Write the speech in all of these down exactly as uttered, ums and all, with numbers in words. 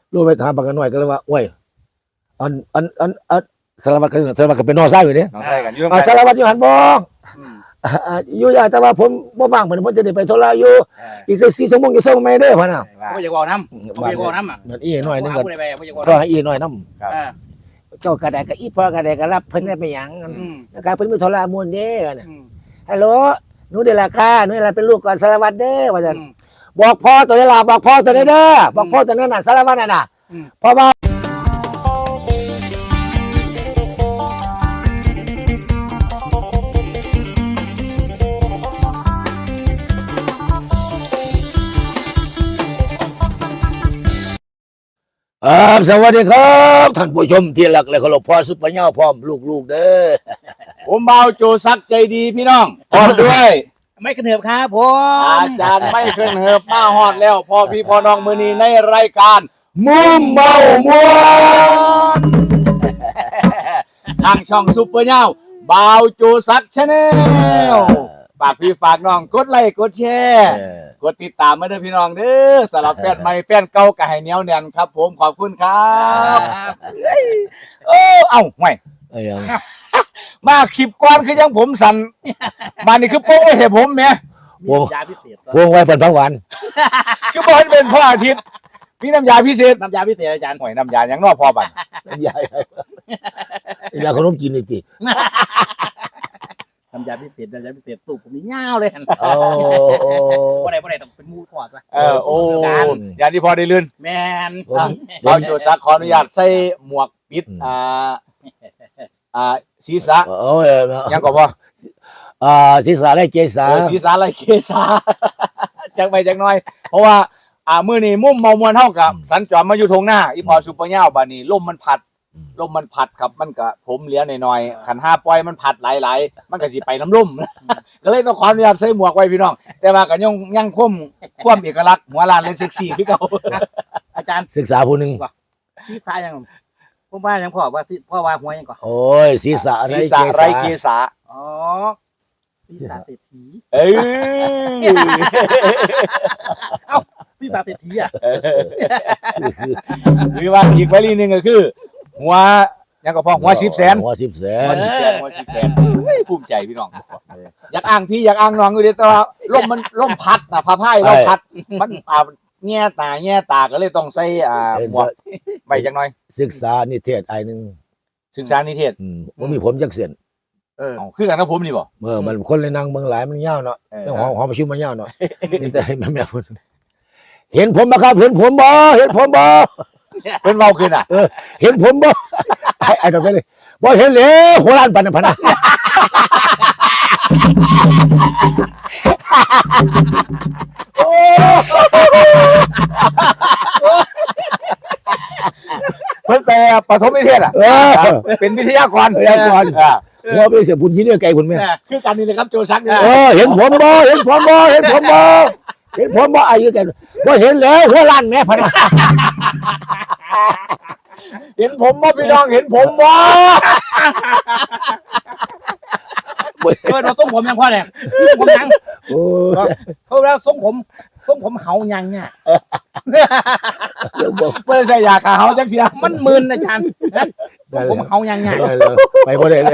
รู้ไปถามปากกันหน่อยก็เลยว่าโอ้ยอันอันอันอันสารวัตรกันสารวัตรกันเป็นนอซ่าอยู่เนี่ยน้องไทยกันอยู่อ่าสารวัตรอยู่หันบ่อยู่ยากแต่ว่าผมบ่ว่างเหมือนผมจะได้ไปธุระอยู่อีกสักสี่ชั่วโมงจะส่งไม่เด้อพ่อน่ะไม่อยากบอกน้ำไม่อยากบอกน้ำอ่ะเหมือนอีหน่อยนึงก็ไม่อยากบอกก็น้ำให้อีหน่อยนำอ่าเจ้ากระไดก็อีพ่อกระไดก็รับเพิ่นได้ไปหยังนะครับเพิ่นมีธุระมุ่นเด้อน่ะฮัลโหลหนูเดล่ะค่ะหนูเดล่ะเป็นลูกก่อนสารวัตรเด้อว่าซั่นบอกพ่อตัวนี้ล่ะบอกพ่อตัวนี้เด้อบอกพ่อตัวนั้นน่ะสารวัตรน่ะน่ะเพราะว่าครับสวัสดีครับท่านผู้ชมที่รักและเคารพพ่อซุปเปอร์เน่าพร้อมลูกๆเด้อผมเบาโจซักใจดีพี่น้องพร้อมด้วยไม่กระเถิบครับผมอาจารย์ไม่เคยเหิบมาฮอดแล้วพ่อพี่พ่อน้องมือนี้ในรายการมุมเมามวนทางช่องซุปเปอร์เน่าเบาโจซักชาแนลฝากพี่ฝากน้องกดไลค์กดแชร์กดติดตามมาเด้อพี่น้องเด้อสำหรับแฟนใหม่แฟนเก่าก็ให้เหนียวแน่นครับ ผมขอบคุณครับเออเอ้าห่วยเอ้ยยังมาคลิปก่อนคือยังผมสั่นมานี่คือโป้งไว้ให้ผมแหมวงยาพิเศษวงไว้เป็นพักวันคือบ่ให้เป็นพ่ออาทิตย์มีน้ำยาพิเศษน้ำยาพิเศษอาจารย์ห่วยน้ำยาหยังนอกพอบัดใหญ่อยากขนมกินอีกทีน้ำยาพิเศษน้ำยาพิเศษตู้ผมนี่ยาวเลยโอ้โอ้ว่าไรว่าไรต้องเป็นมูทอดวะเออโอ้อย่างที่พอได้ลื่นแมนเอาโจซักขออนุญาตใส่หมวกปิดอ่าอ่าศีรษะโอ้ยยังก็พออ่าศีรษะและเกศาเออศีรษะไรเกษาจักไปจักหน่อย เพราะว่าอ่ามื้อนี้มุมเมามวนเฮากับสัญจรมาอยู่ทงหน้าอีพอซุปเปอร์เน่าบัดนี้ลมมันพัดลมมันพัดครับมันก็ผมเหลียหน่อยๆขันห้าปล่อยมันพัดหลายๆมันก็สิไปน้ำลุ่ม ก็เลยต้องขออนุญาตใส่หมวกไว้พี่น้อง แต่ว่าก็ยังยังคงความเอกลักษณ์หัวลานเลยเซ็กซี่คือเก่าอาจารย์ศึกษาผู้หนึ่งซีซ่ายังผมว่ายังพ่อว่าซีพ่อว่าหัวยังก่อนโอ้ยศีรษะศีรษะไรเกษาอ๋อซีซ่าเศรษฐีเอ้ยเอ้าซีซ่าเศรษฐีอ่ะหรือว่าอีกวลีหนึงก็คือ หัวยังก็พอหัวสิบแสนหัวสิบแสหัวน สิบแสนหัวสิบแสนเฮ้ยภูมิใจพี่น้องอยากอ้างพี่อยากอ้างน้องอยู่เดีแต่ว่าลมมันลมพัดนะพาพายลมพัด มันอ่าแง่ตาแง่ตาก็เลยต้องใส่อ่าหมวกไปจังหน่อยศึกษานิเทศไอ้หนึ่งศึกษานิเทศอืมว่ามีผมจักเสียนเออเอาคือกันนะผมนี่บ่เมื่อมันคนเลยนั่งเมืองหลายมันยาวเนาะเออเรื่องหอหอประชุมมันยาวเนาะนี่แต่แม่แม่พูดเห็นผมบ่ครับเห็นผมบ่เห็นผมบ่เพิ่นเว้าขึ้นอ่ะเออเห็นผมบ่ไอ้ไอ้ดอกไปเลยบ่เห็นเลยหัวล้านปันนะพันนะเพิ่นไปปฐมนิเทศอ่ะเออเป็นวิทยากรวิทยากรอ่าหัวไปเสียบุญยินดีไกลคุณแม่คือกันนี่เลยครับโจซักนี่เออเห็นผมบ่เห็นผมบ่เห็นผมบ่เห็นผมบ่อายุแกบ่เห็นแล้วหัวล้านแม่พันนะเห็นผมบ่พี่น้องเห็นผมบ่เออเราทรงผมยังพ่อเนี่ยผมยังโอ้ยเขาแล้วทรงผมทรงผมเฮายังเนี่ยเดี๋ยวบอกเพิ่นใส่ยาขาเฮาจังเสียมันมึนอาจารย์ทรงผมเฮายังเนี่ยได้เลยไปบ่ได้เลย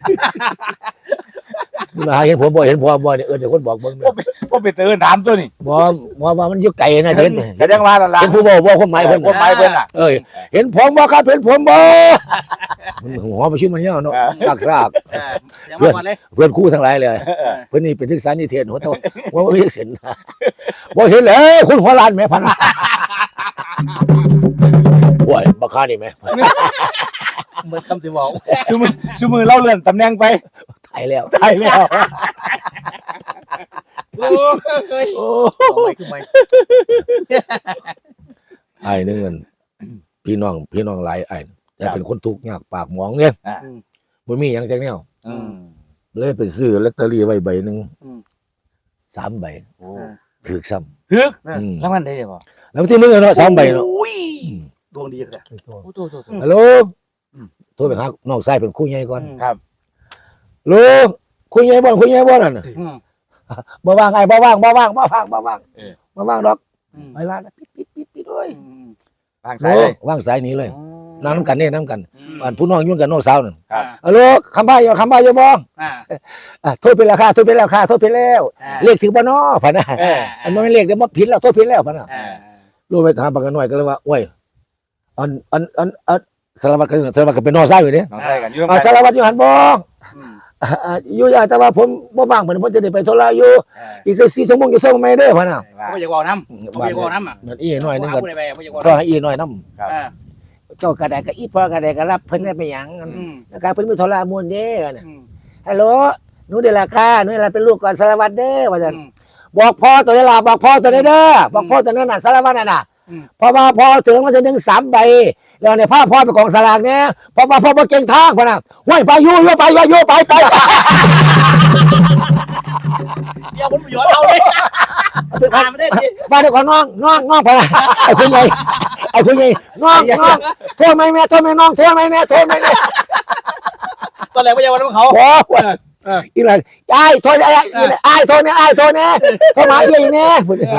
มาหาเห็นผมบ่เห็นผมบ่เนี่ยเออเดี๋ยวคนบอกเบิ่งแม่บ่ไปเตือนถามตัวนี่บ่บ่ว่ามันอยู่ไกลนะเห็นก็ยังว่านั่นล่ะเห็นผู้บ่บ่คนหมายเพิ่นคนหมายเพิ่นน่ะเอ้ยเห็นผมบ่ครับเห็นผมบ่มันหัวประชุมมันยาวเนาะซากซากเออเดี๋ยวมาก่อนเลยเพื่อนคู่ทั้งหลายเลยเพิ่นนี่เป็นศึกษานิเทศหัวโตว่าบ่มีเส้นบ่เห็นแล้วคุณหัวล้านแม่พันโอ้ยบักคานี่แม่เหมือนคำสิบอกซุมือซุมือเล่าเลื่อนตำแหน่งไปตายแล้วตายแล้วโอ้ยโอ้ไม่คือไม่ไอ้นึงมันพี่น้องพี่น้องหลายไอ้แต่เป็นคนทุกข์ยากปากหมองเนี่ยบ่มีหยังจักแนวอืมเลยไปซื้อลอตเตอรี่ไว้ใบหนึงสามใบโอ้ถูกซ้ำฮึกอืมแล้วมันได้บ่แล้วที่มึงเนาะสามใบเนาะโอ้ยดวงดีเลยโอ้โหฮัลโหลโทรไปหาน้องชายเป็นครูใหญ่ก่อนครับลูกครูใหญ่บ่ครูใหญ่บ่นั่นน่ะบ่ว่างไอ้บ่ว่างบ่ว่างบ่ว่างบ่ว่างบ่ว่างดอกไปร้านปิดปิดปิดปิดเลยทางซ้ายเลยว่างสายหนี้เลยนั่งน้ำกันเนี่ยนั่งกันอืมบ้านผู้น้องยุ่งกันน้องสาวนั่นครับฮัลโหลคำบ้าอยู่คำบ้าอยู่บ่อ่าอ่ะโทษไปแล้วค่ะโทษไปแล้วค่ะโทษไปแล้วอ่าเลขถึงบ่น้อพะนะเอออันนั้นไม่เลขเดี๋ยวมาผิดแล้วโทษผิดแล้วพะนะอ่ารู้ไปถามปากกันหน่อยก็เลยว่าโอ้ยอันอันอันอันสารวัตรก็สารวัตรก็เป็นน้องสาวอยู่เนี่ยน้องไทยกันอยู่อ่าตรงสารวัตรอยู่หันบ่อืมอ่าอ่าอยู่ยากแต่ว่าผมบ่ว่างเหมือนผมจะได้ไปธุระอยู่อ่าอีกสักสี่ชั่วโมงจะส่งไม่เด้อพะนะเขาไม่อยากบอกน้ำเขาไม่อยากบอกน้ำอ่ะนั่นอีหน่อยนึงเขาก็พูดอะไรไปเขาไม่อยากบอกก็น้ให้อีหน่อยนํำอ่าเจ้ากระไดก็อีพ่อกระไดก็รับเพิ่นได้ไปหยังอืมนะครับเพิ่นมีธุระมุ่นเด้อน่ะอืมฮัลโหลหนูเดลาค่าหนูเดลาเป็นลูกก่อนสารวัตรเด้อว่าซั่นอืมบอกพ่อตัวนี้ล่ะบอกพ่อตัวนี้เด้อบอกพ่อตัวนั้นน่ะสารวัตรน่ะน่ะอืมพอมาพอถึงมันจะถึงสามใบแล้วเนี่ยพาพ่อไปกองสลากเนี่ยพอมาพ่อมาเก่งทางพะน่ะห้วยไปอยู่อยู่ไปอยู่อยู่ไปไปเดี๋ยวผมประโยชน์เอาเลยมาไม่ได้สิมาเดี๋ยวก่อนน้องน้องน้องพะน่ะไอ้คุณใหญ่ไอ้คุณใหญ่น้องน้องโทษไหมแม่โทษไหมน้องโทษไหมแม่โทษไหมแม่ตอนแรกไม่อยากบอกน้ำเขาโอ้โหอีหลานไอ้โทษไอ้ไอ้โทษเนี่ยไอ้โทษเนี่ยโทษมาเยี่ยงเนี่ย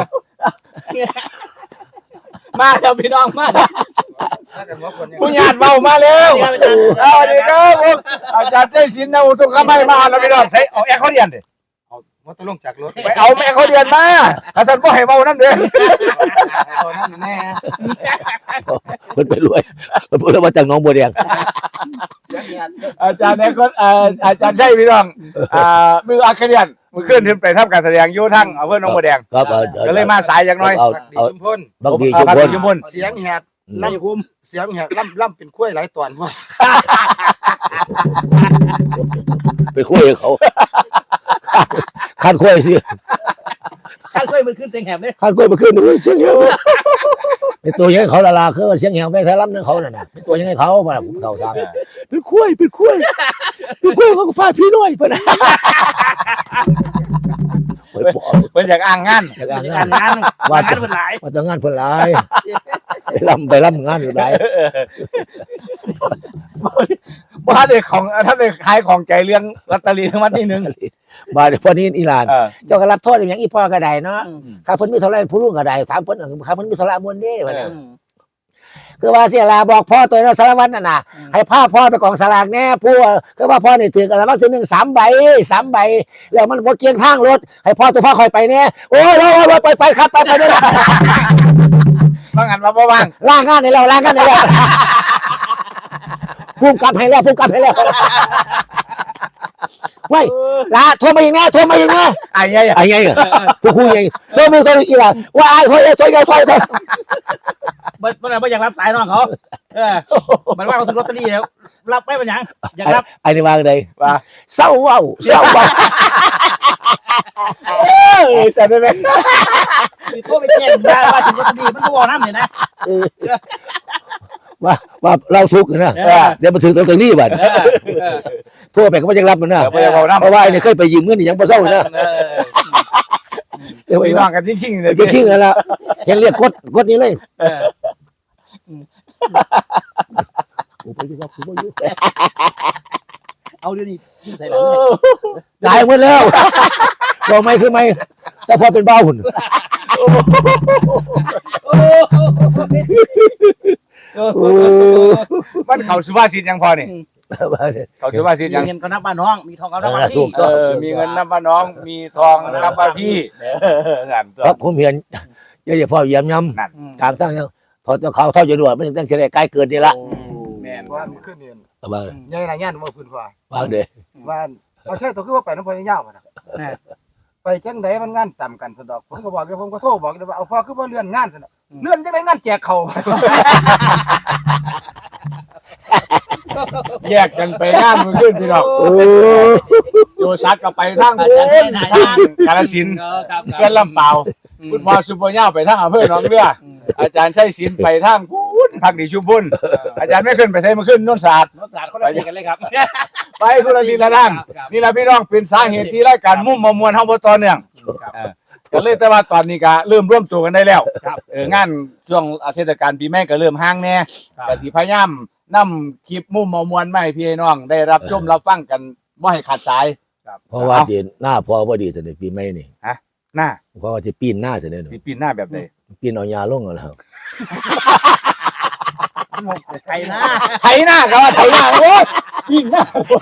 มาแล้วพี่น้องมาผู้ญาติเบามาเร็วสวัสดีครับผมอาจารย์ใจศิลป์นะอุทุกขไม่มาแล้วพี่น้องใช้เอาแอร์เขาเรียนดิว่าต้องลงจากรถไปเอาแม่เขาเรียนมาข้าสันบ่ให้เบานั่นเด้อตอนนั้นแน่เพิ่นไปรวยเพิ่นพูดว่าจากน้องบัวแดงเสียงเงียบอาจารย์เนี่ยก็เอ่ออาจารย์ใช่พี่น้องอ่ามืออาคาเรียนมือขึ้นขึ้นไปทำการแสดงอยู่ทั้งอำเภอหนองบัวแดงครับเอาก็เลยมาสายอย่างน้อยเอาดีเอาชุมพลบักดีเอาชุมพักพลดีชุมพลเสียงแหบไล่คุมเสียงแหบล่ำล่ำเป็นกล้วยหลายตอนว่าไปคุยกับเขาคันคุยสิข้าช่วยมันขึ้นเสียงแหบเลยคันคุยมาขึ้นเสียงเหี่ยวเป็นตัวยังไงเขาละลาคือว่าเสียงเหี่ยวไปทะลับนึงเขาน่ะนะเป็นตัวยังไงเขามาผมเข้าทางเป็นคุยเป็นคุยเป็นคุยเขาก็ฟาดพี่น้อยเพิ่นนะเปิดปอดเพิ่นอยากอ้างงานจากงงานานงานงานเป็นหลายมาจากงานเพิ่นหลายไปลำไปลำงานอยู่หลายบ่ทันได้ของท่านได้ขายของใจเรื่องลอตเตอรี่รางวัลที่หนึ่งมาเดี๋ยวพอนี้อีหลานเออเจ้าก็รับโทษอย่างอีพ่อก็ได้เนาะข้าเพิ่นมีเท่าไรผู้ลุงก็ได้ถามเพิ่นข้าเพิ่นมีเท่าไรมวลเด้ว่าน่ะคือว่าเสียลาบอกพ่อตัวเนาะสารวัตรนั่นน่ะให้พาพ่อไปกองสลากแน่ผู้คือว่าพ่อนี่ถือกันแล้วถึงหนึ่งสามใบสามใบแล้วมันบ่เกียงทางรถให้พ่อตัวพ่อคอยไปแน่โอ้ยโอ้ยไปไปครับไปไปเด้อบางอันมาบ่ว่างล่างงานให้แล้วล่างงานให้แล้วพุ่งกลับให้แล้วพุ่งกลับให้แล้วเว้ยลาโทรมาอีกนะโทรมาอีกนะไอ้ยัยไอ้ไงอ่ะพวกคุยไงโทรมาโทรอีกล่ะว่าไอ้โทรโทรโทรโทรโทรมันมันไม่อยากรับสายน้องเขาเออมันว่าเขาถือลอตเตอรี่แล้วรับไม่เป็นยังอยากรับไอ้นี่ว่าไงว่าเศร้าเว้าเศร้าเว้าเอ้ยสัตว์ได้ไหมมีโทษไปแจ้งว่าว่าถือลอตเตอรี่มันก็บอกน้ำเนี่ยนะว่าว่าเราทุกข์นะเออเดี๋ยวมาถึงตรงนี้บัดเออเออโทั่วไปก็ไม่ยังรับมันนะเดี๋ยวไปเอาน้ำเพราะว่าไอ้นี่เคยไปยืมเงินนี่ยังบ่เศร้านะเออเดี๋ยวไปพี่น้องกันจริงๆเลยไปทิ้งกันละเห็นเรียกกดกดนี้เลยเออโอ้ไปที่ว่าคุณบ่อยู่เอาเดี๋ยวนี้ใส่หลังเลยตายหมดแล้วบอกไม่คือไม่แต่พอเป็นเบ้าหุ่นโอ้โหมันเขาสุภาษิตยังพอนี่เขาสุภาษิตยังมีเงินก็นับบ้านน้องมีทองก็นับบ้านถูพี่กเออมีเงินนับว่าน้องมีทองนับว่าพี่นั่นตัวครับผมเห็นอย่าอย่าพ่อเยี่ยมย้ำนั่นทางตั้งยังถอดเขาเท่าจะด่วนมันถึงตั้งเฉลี่ยใกล้เกินนี่ละแม่นว่ามันขึ้นเนียนเอาบ้างใหญ่หลายงานว่าพื้นฟ้าบ้างเด้อว่าเอาใช่ตัวคือว่าไปน้ำพอยาวๆนะไปจังไดมันงานต่ำกันสะดอกผมก็บอกเดี๋ยวผมก็โทรบอกเดี๋ยวว่าเอาพ่อคือว่าเลื่อนงานสะดอกเลื่อนจังไดงานแจกเขาแยกกันไปงานมันขึ้นพี่น้องโอ้โยซักก็ไปทางอาโน้จารย์นไหนทางกาฬสินธุ์เออครับเพื่อนลำเปล่าคุณพ่อสุโปย่าไปทางอำเภอหนองเรืออาจารย์ชัยศิลป์ไปทางพูนพักดีชุมพุนอาจารย์ไม่ขึ้นไปใช้มาขึ้นโนนศาสตร์รถสารเขาได้กันเลยครับไปคุณละทีละด้านนี่แหละพี่น้องเป็นสาเหตุที่รายการมุ่งมามวลเฮาบ่ต่อเนื่องก็เลยแต่ว่าตอนนี้ก็เริ่มร่วมตัวกันได้แล้วเอองานช่วงเทศกาลปีใหม่ก็เริ่มห่างแน่ก็สิพยายามนำคลิปมุ่งมามวลมาให้พี่น้องได้รับชมรับฟังกันบ่ให้ขาดสายเพราะว่าจีหน้าพอพอดีเสด็จปีใหม่นี่หน้าเพราะว่าจะปีนหน้าเสด็จสิปีนหน้าแบบใดปีนเอายาลงเอาแล้วงงไทยหน้าไถหน้าครับว่าไถหน้าโอ้ยวิ่งหน้า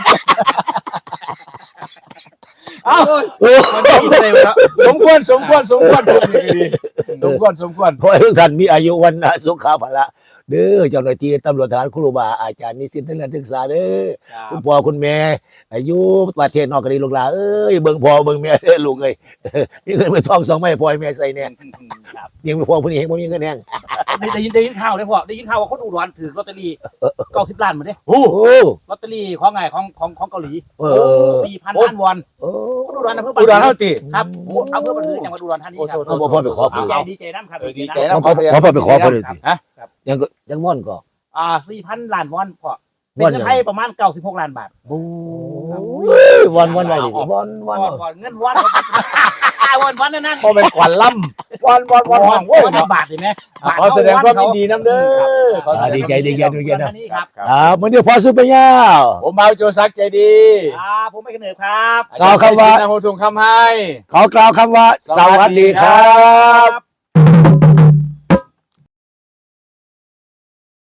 เอ้ามันจะมีอะไรวะสมควรสมควรสมควรพูดนี่ก็ดีสมควรสมควรขอให้ทุกท่านมีอายุวันนะสุขภาพเด้อเจ้าหน้าที่ตำรวจทหารครูบาอาจารย์นิสิตนักเรียนศึกษาเด้อคุณพ่อคุณแม่อายุประเทศนอกก็ดีลูกหลานเอ้ยเบิ่งพ่อเบิ่งแม่เด้อลูกเอ้ยมีเงินไปทองสองไม้พ่อให้แม่ใส่แน่ยังพ่อผู้นี้เห็นบ่มีเงินแน่ได้ยินได้ยินข่าวเลยพ่อได้ยินข่าวว่าคนอุดรถือลอตเตอรี่เก้าสิบล้านมาเด้โอ้โอ้ลอตเตอรี่ของไงของของของเกาหลีเออสี่พันล้านวอนโอ้คนอุดรอำเภออุดรเท่าติครับอำเภอบันลือจังหวัดอุดรธานีครับเอาพ่อไปขอดีเพิ่นใจดีใจน้ำครับเออดีใจพ่อพ่อพ่อพ่อไปขอเพิ่นเลยสิฮะยังก็ยังม่อนก็อ่าสี่พันล้านวอนพ่อเป็นม่อนเงิยันงไทยประมาณเก้าสิบหกล้านบาทโอ้ยวันวันไว้ดิวันวันก่อนก่อนเงินวอนวอนวอนนั่นนั่นพอเป็นขวัญล่ำวันวันวันวันโอ้ยวอนบาทเห็นไหมขอแสดงความยินดีน้ำเด้อขอแสอ่าดดีงใจความดียินใจดีใจนะนี่ครับครับมื้อนี้พอสุปยาวผมเมาโจซักใจดีอ่าผมไม่กระเหนือครับกล่าวคำว่าอาจารย์ชัยศรีนำโฮทรงคำให้ขอกล่าวคำว่า สวัสดีครับครับ